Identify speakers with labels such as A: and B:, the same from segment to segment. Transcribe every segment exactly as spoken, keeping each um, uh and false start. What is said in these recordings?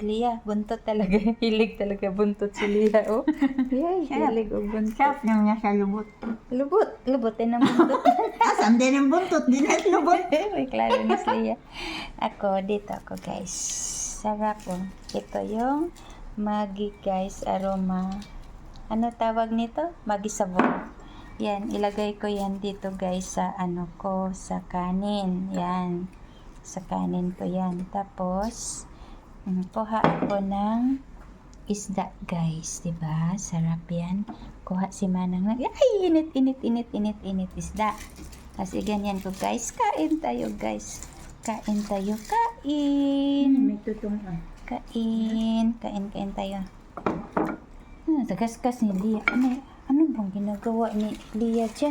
A: Lia. Buntot talaga. Hilig talaga buntot si Lia, oh. Yay, hilig o buntot.
B: Sarap lang niya sa lubot.
A: Lubot. Lubotin ang buntot.
B: Asan din ang buntot, din ang lubot.
A: May klaro ni Lia. Ako, dito ako, guys. Sarap, oh. Ito yung Maggi, guys, aroma. Ano tawag nito? Maggi sabon. Yan, ilagay ko yan dito, guys, sa ano ko, sa kanin. Yan. Sa kanin ko yan. Tapos, um, kuha ako ng isda, guys. Diba? Sarap yan. Kuha si Manang ng, ay, init, init, init, init, init, isda. Kasi ganyan ko, guys. Kain tayo, guys. Kain tayo, kain.
B: May tutong ah.
A: Kain. Kain, kain tayo. Hmm, tagaskas ni Lia. Ano, ano bang ginagawa ni Lia dyan?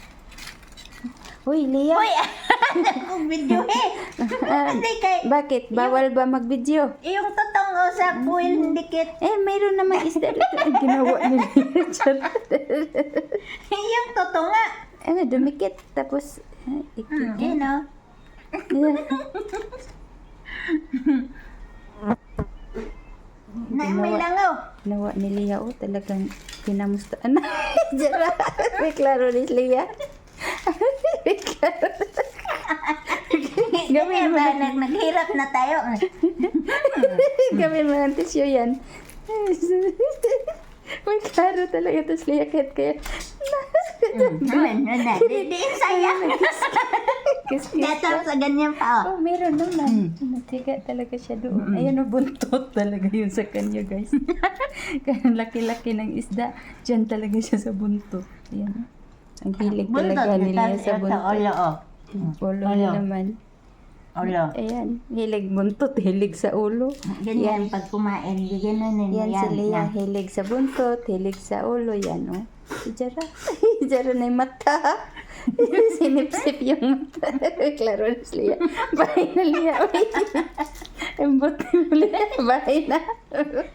A: Uy, Lia.
B: Uy! Ang video eh! Hindi kay...
A: Bakit? Bawal ba mag-video?
B: Yung tutong o sa puwil dikit.
A: Eh, mayroon namang isda dito. Ang ginawa ni Lia dyan.
B: Yung tutong nga.
A: Ano, dumikit. Tapos, ah, ikit.
B: Eh no? Na may langaw.
A: Ginawa ni Lia, oh, talagang pinamustaan na. Jara, may klaro ni Lia. May klaro.
B: Gawin ba? Nag naghirap na tayo.
A: Gawin mo ng tissue yan. May klaro talaga. Tapos Lia, kahit kaya.
B: Naman, na. Di di saya.
A: Kiss-kiss.
B: Dato sa ganyan pa.
A: Oh, meron naman. Natiga talaga siya doon. Ayan o, buntot talaga yun sa kanya, guys. Kaya laki-laki ng isda. Diyan talaga siya sa buntot. Ayan. Ang hilig talaga nila sa buntot.
B: Olo o.
A: Ulo
B: Ulo.
A: naman.
B: Olo.
A: Ayan. Hilig buntot. Hilig sa ulo.
B: Ganyan pag kumain. Ganyan
A: Yan si Lia.
B: na.
A: Hilig sa buntot. Hilig sa ulo. Yan o. Si Jara. Si Jara na yung mata. Sinip-sip yung mata. Klaro na si Lia. Bahay na Lia. Ang buti mo Lia. Bahay na.